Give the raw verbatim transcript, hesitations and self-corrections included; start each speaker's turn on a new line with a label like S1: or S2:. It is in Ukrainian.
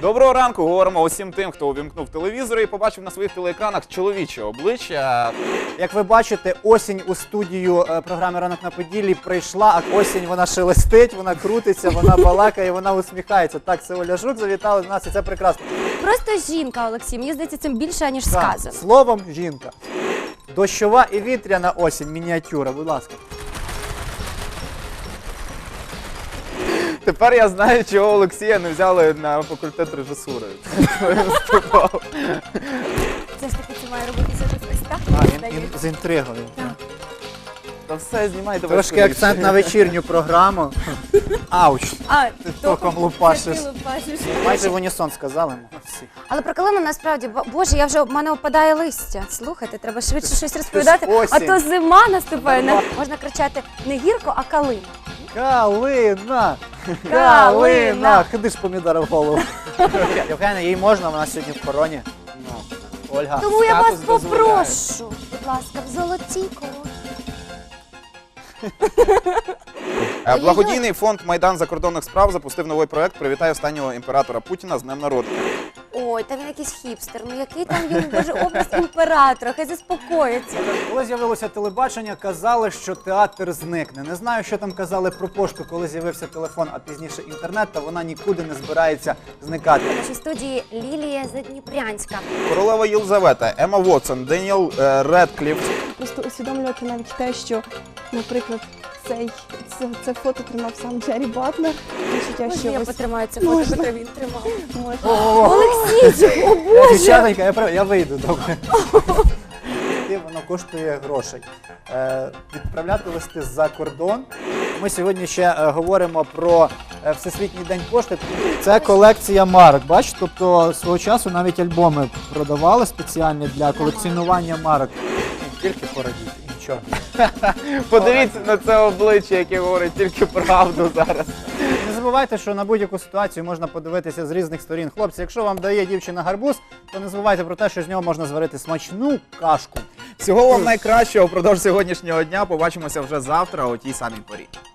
S1: Доброго ранку, говоримо усім тим, хто увімкнув телевізор і побачив на своїх телеекранах чоловіче обличчя.
S2: Як ви бачите, осінь у студію е, програми «Ранок на Поділлі» прийшла, а осінь вона шелестить, вона крутиться, вона балакає, вона усміхається. Так, це Оля Жук завітала до нас, і це прекрасно.
S3: Просто жінка, Олексій, мені здається, цим більше, ніж
S2: Так,
S3: сказано.
S2: словом, жінка. Дощова і вітряна осінь, мініатюра, будь ласка.
S1: Тепер я знаю, чого Олексія не взяли на факультет режисури.
S3: Це ж таки це має робитися ось так,
S2: А,
S3: мені
S2: ін,
S3: здається.
S2: ін, з інтригою.
S1: Та все, знімайте.
S2: Трошки акцент на вечірню програму. Ауч.
S3: А,
S2: током лупашиш.
S3: це ти лупашиш.
S2: Майже в унісон сказали ми всі.
S3: Але про калину насправді, бо- боже, я вже, в мене опадає листя. Слухайте, треба швидше щось розповідати, а
S2: осінь.
S3: то зима наступає. Не- Можна кричати не гірко, а калина.
S2: Калина!
S3: Калина!
S2: Ходи ж помідора в голову. Євгена, їй можна, вона сьогодні в короні. Ну, Ольга.
S3: Тому я вас
S1: статус дозволяє.
S3: попрошу, будь ласка, в золотій короні.
S1: Е, Благодійний фонд «Майдан закордонних справ» запустив новий проект «Привітай останнього імператора Путіна з днем народження».
S3: Ой, та він якийсь хіпстер, ну який там він, боже, образ імператора, хай заспокоїться.
S2: Коли з'явилося телебачення, казали, що театр зникне. Не знаю, що там казали про пошту, коли з'явився телефон, а пізніше інтернет, та вона нікуди не збирається зникати.
S3: В нашій студії Лілія Задніпрянська.
S1: Королева Єлизавета, Емма Вотсон, Деніел е, Редкліф.
S4: Просто усвідомлювати навіть те, що, наприклад, цей, це, це фото тримав сам Джері Батлер. Відчуття,
S3: Можна
S4: що
S3: я
S4: ось
S3: потримаю це фото,
S4: Можна.
S3: яке він тримав?
S4: можна.
S3: Олексійчик, о
S2: Я,
S3: боже!
S2: дівчатонька, я, прав- я вийду, добре. І воно коштує грошей. Е, відправляти листи за кордон. Ми сьогодні ще е, говоримо про е, Всесвітній день пошти. Це колекція марок, бачиш? Тобто свого часу навіть альбоми продавали спеціальні для колекціонування марок. Тільки порадіти, нічого.
S1: Подивіться на це обличчя, яке говорить тільки правду зараз.
S2: Не забувайте, що на будь-яку ситуацію можна подивитися з різних сторін. Хлопці, якщо вам дає дівчина гарбуз, то не забувайте про те, що з нього можна зварити смачну кашку.
S1: Всього вам найкращого впродовж сьогоднішнього дня. Побачимося вже завтра о тій самій порі.